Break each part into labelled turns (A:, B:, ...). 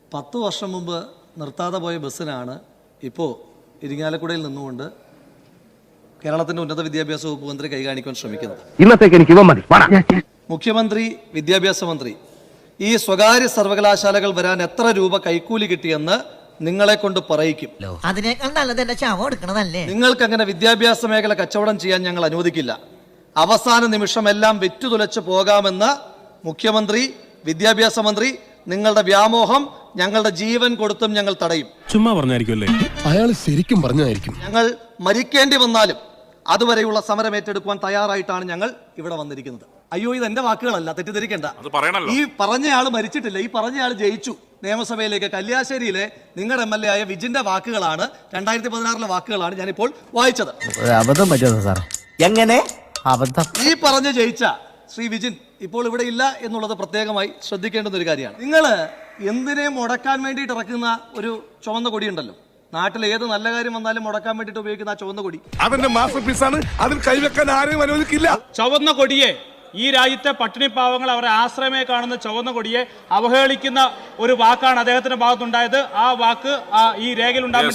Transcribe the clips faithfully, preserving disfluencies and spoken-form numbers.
A: പത്ത് വർഷം മുമ്പ് നിർത്താതെ പോയ ബസ്സിനാണ് ഇപ്പോൾ ഇരിങ്ങാലക്കുടയിൽ നിന്നുകൊണ്ട് കേരളത്തിന്റെ ഉന്നത വിദ്യാഭ്യാസ വകുപ്പ് മന്ത്രി കൈകാണിക്കാൻ ശ്രമിക്കുന്നത്.
B: ഇന്നത്തേക്ക് എനിക്ക് ഇവ മതി.
A: മുഖ്യമന്ത്രി, വിദ്യാഭ്യാസ മന്ത്രി, ഈ സ്വകാര്യ സർവകലാശാലകൾ വരാൻ എത്ര രൂപ കൈക്കൂലി കിട്ടിയെന്ന് നിങ്ങളെ കൊണ്ട് പറയിക്കും.
C: അതിനേക്കാൾ നല്ലത് എന്റെ ചാവ എടുക്കണതല്ലേ.
A: നിങ്ങൾക്ക് അങ്ങനെ വിദ്യാഭ്യാസ മേഖല കച്ചവടം ചെയ്യാൻ ഞങ്ങൾ അനുവദിക്കില്ല. അവസാന നിമിഷം എല്ലാം വിറ്റുതുലച്ച് പോകാമെന്ന് മുഖ്യമന്ത്രി, വിദ്യാഭ്യാസ മന്ത്രി, നിങ്ങളുടെ വ്യാമോഹം ഞങ്ങളുടെ ജീവൻ കൊടുത്തും ഞങ്ങൾ തടയും.
D: ചുമ്മാ പറഞ്ഞായിരിക്കുമല്ലേ?
E: അയാൾ ശരിക്കും പറഞ്ഞായിരിക്കും.
A: ഞങ്ങൾ മരിക്കേണ്ടി വന്നാലും അതുവരെയുള്ള സമരം ഏറ്റെടുക്കുവാൻ തയ്യാറായിട്ടാണ് ഞങ്ങൾ ഇവിടെ വന്നിരിക്കുന്നത്. അയ്യോ, ഇത് എന്റെ വാക്കുകളല്ല, തെറ്റിദ്ധരിക്കേണ്ട. ഈ പറഞ്ഞയാൾ മരിച്ചിട്ടില്ല, ഈ പറഞ്ഞയാൾ ജയിച്ചു നിയമസഭയിലേക്ക്. കല്യാശ്ശേരിയിലെ നിങ്ങളുടെ എം എൽ എ ആയ വിജിന്റെ വാക്കുകളാണ്, രണ്ടായിരത്തി പതിനാറിലെ വാക്കുകളാണ് ഞാനിപ്പോൾ വായിച്ചത്.
B: അബദ്ധം പറ്റുമോ സാർ? എങ്ങനെ അബദ്ധം?
A: ഈ പറഞ്ഞ് ജയിച്ച ശ്രീ വിജിൻ ഇപ്പോൾ ഇവിടെ ഇല്ല എന്നുള്ളത് പ്രത്യേകമായി ശ്രദ്ധിക്കേണ്ടുന്ന ഒരു കാര്യമാണ്. നിങ്ങൾ എന്തിനെ മുടക്കാൻ വേണ്ടിയിട്ട് ഇറക്കുന്ന ഒരു ചുവന്ന കൊടിയുണ്ടല്ലോ, നാട്ടിൽ ഏത് നല്ല കാര്യം വന്നാലും മുടക്കാൻ വേണ്ടിയിട്ട് ഉപയോഗിക്കുന്ന ആ ചുവന്ന കൊടി,
D: അവന്റെ മാസ്റ്റർ പീസാണ്. അതിൽ കൈവെക്കാൻ ആരെയും അനുവദിക്കില്ല.
F: ചുവന്ന കൊടിയെ, ഈ രാജ്യത്തെ പട്ടിണി പാവങ്ങൾ അവരെ ആശ്രമമായി കാണുന്ന ചുവന്ന കൊടിയെ അവഹേളിക്കുന്ന ഒരു വാക്കാണ് അദ്ദേഹത്തിന്റെ ഭാഗത്തുണ്ടായത്. ആ വാക്ക് ഈ രേഖയിൽ ഉണ്ടാകാൻ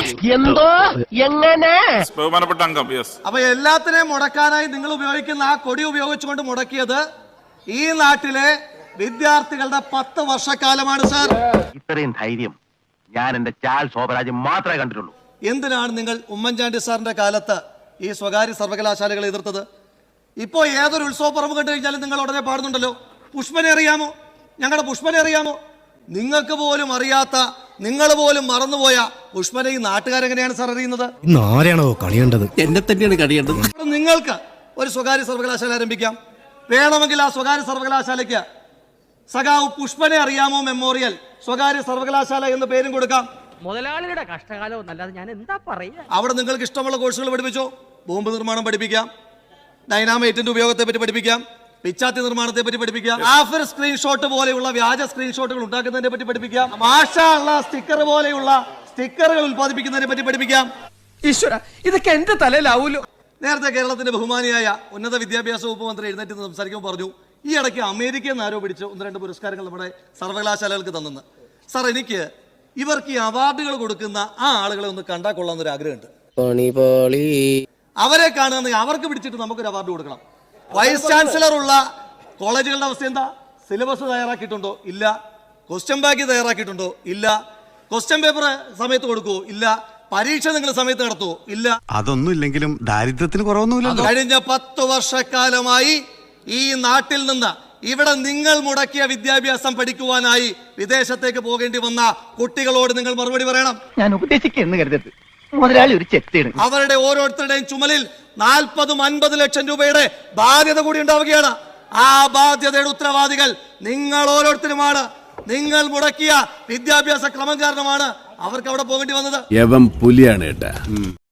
F: അപ്പൊ
A: എല്ലാത്തിനെയും മുടക്കാനായി നിങ്ങൾ ഉപയോഗിക്കുന്ന ആ കൊടി ഉപയോഗിച്ചുകൊണ്ട് മുടക്കിയത് ഈ നാട്ടിലെ വിദ്യാർത്ഥികളുടെ പത്ത് വർഷക്കാലമാണ് സാർ.
B: ഇത്രയും ധൈര്യം ഞാൻ എന്റെ ചാൽ ശോഭരാജ് മാത്രമേ കണ്ടിട്ടുള്ളൂ.
A: എന്തിനാണ് നിങ്ങൾ ഉമ്മൻചാണ്ടി സാറിന്റെ കാലത്ത് ഈ സ്വകാര്യ സർവകലാശാലകളെ എതിർത്തത്? ഇപ്പോ ഏതൊരു ഉത്സവ പറമ്പ് കണ്ടു കഴിഞ്ഞാലും നിങ്ങൾ ഉടനെ പാടുന്നുണ്ടല്ലോ, പുഷ്പനെ അറിയാമോ, ഞങ്ങളുടെ പുഷ്പനെ അറിയാമോ? നിങ്ങൾക്ക് പോലും അറിയാത്ത, നിങ്ങൾ പോലും മറന്നുപോയ പുഷ്പനെ ഈ നാട്ടുകാരെങ്ങനെയാണ് സാർ അറിയുന്നത്?
E: ആരെയാണോ കളിയേണ്ടത്?
B: എന്നെ തന്നെയാണ് കളിയേണ്ടത്.
A: നിങ്ങൾക്ക് ഒരു സ്വകാര്യ സർവകലാശാല ആരംഭിക്കാം. വേണമെങ്കിൽ ആ സ്വകാര്യ സർവകലാശാലയ്ക്ക് സഖാവ് പുഷ്പനെ അറിയാമോ മെമ്മോറിയൽ സ്വകാര്യ സർവകലാശാല എന്ന് പേരും കൊടുക്കാം.
G: മുതലാളിയുടെ കഷ്ടകാലം എന്നല്ലാതെ ഞാൻ എന്താ പറയാ.
A: അവിടെ നിങ്ങൾക്ക് ഇഷ്ടമുള്ള കോഴ്സുകൾ പഠിപ്പിച്ചോ. ബോംബ് നിർമ്മാണം പഠിപ്പിക്കാം, ഡൈനാമൈറ്റിന്റെ ഉപയോഗത്തെ പറ്റി പഠിപ്പിക്കാം, പിച്ചാത്തി നിർമ്മാണത്തെ പറ്റി പഠിപ്പിക്കാം, ആഫർ സ്ക്രീൻഷോട്ട് പോലെയുള്ള വ്യാജ സ്ക്രീൻഷോട്ടുകൾ ഉണ്ടാക്കുന്നതിനെ പറ്റി പഠിപ്പിക്കാം, മാഷാള്ള സ്റ്റിക്കർ പോലെയുള്ള സ്റ്റിക്കറുകൾ ഉത്പാദിപ്പിക്കുന്നതിനെ പറ്റി പഠിപ്പിക്കാം.
G: ഈശ്വര, ഇതൊക്കെ എന്റെ തലയിലാവൂലോ.
A: നേരത്തെ കേരളത്തിന്റെ ബഹുമാനിയായ ഉന്നത വിദ്യാഭ്യാസ വകുപ്പ് മന്ത്രി എഴുന്നേറ്റ് സംസാരിക്കുമ്പോൾ പറഞ്ഞു, ഈ ഇടയ്ക്ക് അമേരിക്കയിൽ നിന്ന് ആരോപിച്ച് ഒന്ന് രണ്ട് പുരസ്കാരങ്ങൾ നമ്മുടെ സർവകലാശാലകൾക്ക് തന്നെന്ന്. സാർ, എനിക്ക് ഇവർക്ക് ഈ അവാർഡുകൾ കൊടുക്കുന്ന ആ ആളുകളെ ഒന്ന് കണ്ടാൽ കൊള്ളാമെന്നൊരു ആഗ്രഹമുണ്ട്. അവരെ കാണുകയെങ്കിൽ അവർക്ക് പിടിച്ചിട്ട് നമുക്കൊരു അവാർഡ് കൊടുക്കണം. വൈസ് ചാൻസലർ ഉള്ള കോളേജുകളുടെ അവസ്ഥ എന്താ? സിലബസ് തയ്യാറാക്കിയിട്ടുണ്ടോ? ഇല്ല. ക്വസ്റ്റ്യൻ ബാങ്ക് തയ്യാറാക്കിയിട്ടുണ്ടോ? ഇല്ല. ക്വസ്റ്റ്യൻ പേപ്പർ സമയത്ത് കൊടുക്കുവോ? ഇല്ല. പരീക്ഷ നിങ്ങൾ സമയത്ത് നടത്തുവോ? ഇല്ല.
D: അതൊന്നും ഇല്ലെങ്കിലും ദാരിദ്ര്യത്തിന് കുറവൊന്നുമില്ല.
A: കഴിഞ്ഞ പത്ത് വർഷക്കാലമായി ഈ നാട്ടിൽ നിന്ന് ഇവിടെ നിങ്ങൾ മുടക്കിയ വിദ്യാഭ്യാസം പഠിക്കുവാനായി വിദേശത്തേക്ക് പോകേണ്ടി വന്ന കുട്ടികളോട് നിങ്ങൾ മറുപടി പറയണം.
B: ഞാൻ ഉപദേശിക്കുന്നു കരുതരുത്, മുതലാളി ഒരു ചെത്തിയാണ്.
A: അവരുടെ ഓരോരുത്തരുടെയും ചുമലിൽ നാൽപ്പതും അൻപത് ലക്ഷം രൂപയുടെ ബാധ്യത കൂടി ഉണ്ടാവുകയാണ്. ആ ബാധ്യതയുടെ ഉത്തരവാദികൾ നിങ്ങൾ ഓരോരുത്തരുമാണ്. നിങ്ങൾ മുടക്കിയ വിദ്യാഭ്യാസ ക്രമം കാരണമാണ് അവർക്ക് അവിടെ പോകേണ്ടി വന്നത്.
D: പുലിയാണ് ഏട്ടാ.